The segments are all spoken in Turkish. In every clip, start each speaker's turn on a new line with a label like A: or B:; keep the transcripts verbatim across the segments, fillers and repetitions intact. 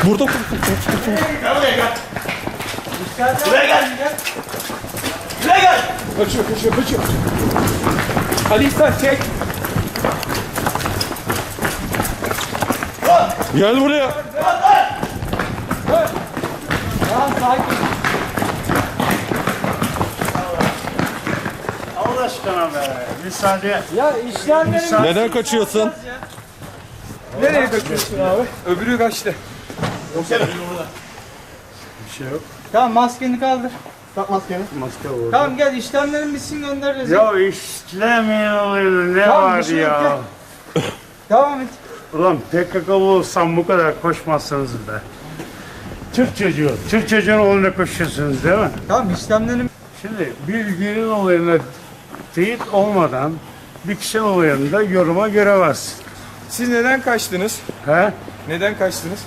A: Burada.
B: Gel buraya gel. Buraya gel. Buraya gel.
A: Kaçıyor, kaçıyor, kaçıyor. Ali İhsan çek. Gel buraya.
C: Tamam sakin.
B: Allah aşkına be. Müsaade.
C: Ya işlemlerin...
A: Neden kaçıyorsun?
C: Nereye kaçıyorsun abi?
A: Öbürü kaçtı.
B: Bir şey yok.
C: Tamam maskeni kaldır.
B: Tak maskeni. Maske oldu.
C: Tamam gel işlemlerin bitsin göndeririz.
B: Ya işlemeyin ne
C: Tamam, bir
B: var
C: şey yok,
B: ya.
C: Devam et.
B: Ulan P K K'lı olsam bu kadar koşmazsınız be. Türk çocuğu. Türk çocuğun oğluna koşuyorsunuz değil mi?
C: Tamam işlemlerin...
B: Şimdi bir ülkenin olayına teyit olmadan bir kişinin olayında yoruma göremezsin.
A: Siz neden kaçtınız?
B: He?
A: Neden kaçtınız?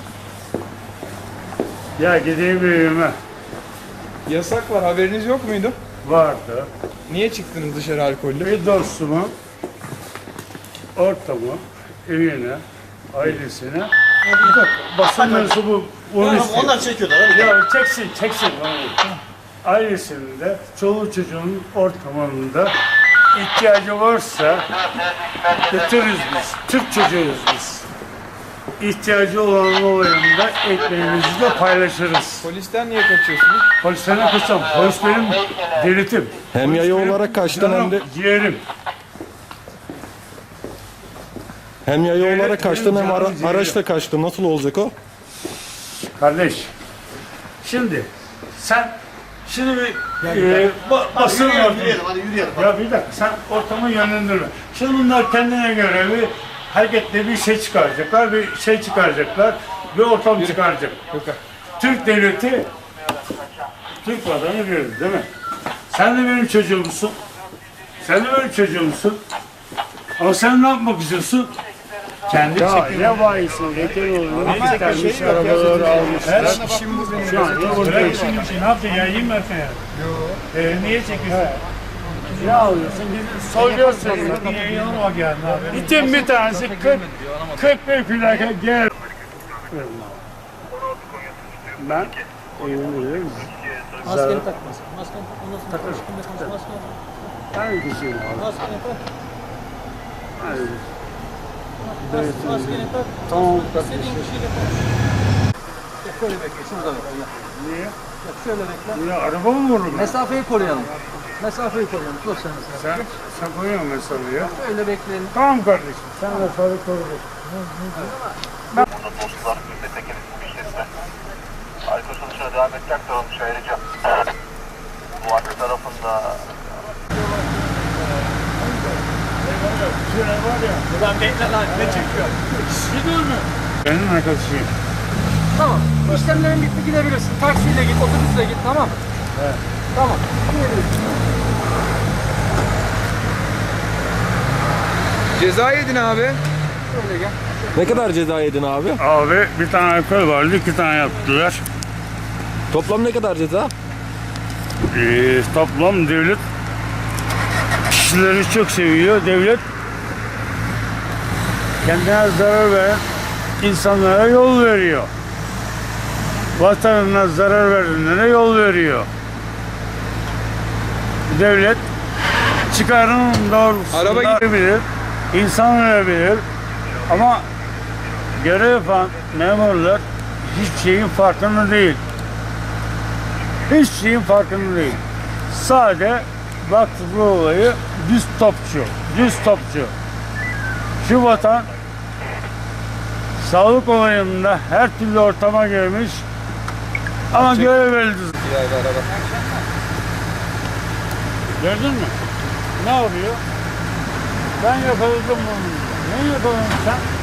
B: Ya gideyim evime.
A: Yasak var, haberiniz yok muydu?
B: Vardı.
A: Niye çıktınız dışarı alkollü?
B: Bir dostumu, ortamı, evine, ailesine basın mensubu onu istiyor.
D: Onlar çekiyorlar. Hadi.
B: Ya çeksin, çeksin. Ailesinde, çoluk çocuğun ortamında ihtiyacı varsa götürürüz biz. Türk çocuğuyuz biz. İhtiyacı olan olayında ekmeğimizi de paylaşırız.
A: Polisten niye kaçıyorsunuz?
B: Polisten kaçsam, polis benim devletim.
A: Hem
B: Polis
A: yaya
B: benim
A: olarak kaçtın
B: canım,
A: hem de
B: ciğerim.
A: hem yaya
B: Evet,
A: olarak kaçtın
B: benim
A: hem ara,
B: canım ciğerim.
A: araçla kaçtın. Nasıl olacak o?
B: Kardeş, şimdi sen şimdi bir e, ba, basın
D: Yürüyelim,
B: ortamı.
D: yürüyelim, hadi yürüyelim.
B: Ya bir dakika sen ortamı yönlendirme. Şimdi bunlar kendine göre bir hareketle bir şey çıkaracaklar, bir şey çıkaracaklar, bir ortam çıkaracak.
A: Yok.
B: Türk devleti, Türk vatanı verir değil mi? Sen de benim çocuğumsun. Sen de benim çocuğumsun. Ama sen ne yapmak istiyorsun? Kendi ya ne bayisin, yeter olur. Ne istermiş arabaları almışlar. Şu an ya burada işin için ne yaptın ya? Yiyeyim ben seni. Yok. Ee, niye çekiyorsun? Ne alıyorsun? Bizi soyuyorsun. Niye yanıma geldin abi? İtin bir tanesi kırk, kırk bir plaka gel. Ben evimdeyim.
C: Maskeni tak maskeni. Maskeni tak. Ondan sonra konuştuğunda konuş maskeni tak.
B: Hangi kişiyim abi?
C: Maskeni tak.
B: Hayır.
C: Mas- Maskeni tak.
B: Tamam.
C: İstediğin kişiyle konuş. Gel şöyle bekle. Şurada bekle. Gel.
B: Niye?
C: Gel şöyle bekle.
B: Ya araba mı vurur?
C: Mesafeyi koruyalım. Mesafeyi koruyalım. Sosyal mesafe.
B: Sen, sen koyuyorsun mesafeyi ya.
C: Şöyle bekleyelim.
B: Tamam kardeşim. Sen mesafeyi koru.
E: Burada dostlar Ünlü işletme. Alkol sonuçuna devam etmek zorunmuş ayrıca. Bu arka tarafında
D: Ulan bekle lan ne çekiyor?
B: Benim arkadaşıyım.
C: Tamam. İşlemlerin bitti gidebilirsin. Taksiyle git, otobüsle git tamam mı? Evet. Tamam. Gidebilirsin.
A: Ceza yedin abi.
C: Şöyle gel.
A: Ne kadar ceza yedin abi?
B: Abi bir tane alkol vardı, iki tane yaptılar.
A: Toplam ne kadar ceza?
B: Ee, toplam devlet kişileri çok seviyor. Devlet kendine zarar veren insanlara yol veriyor. Vatanına zarar verenlere yol veriyor. Devlet çıkarının
A: Araba
B: doğrultusunda bilir, insan verebilir ama görev yapan memurlar hiç şeyin farkında değil. Hiç şeyin farkında değil. Sade baktı bu olayı düz topçu, düz topçu. Şu vatan sağlık olayında her türlü ortama girmiş ama görev verildi. Gördün mü? Ne yapıyor? Ben yakaladım bunu. Ne yakaladın sen?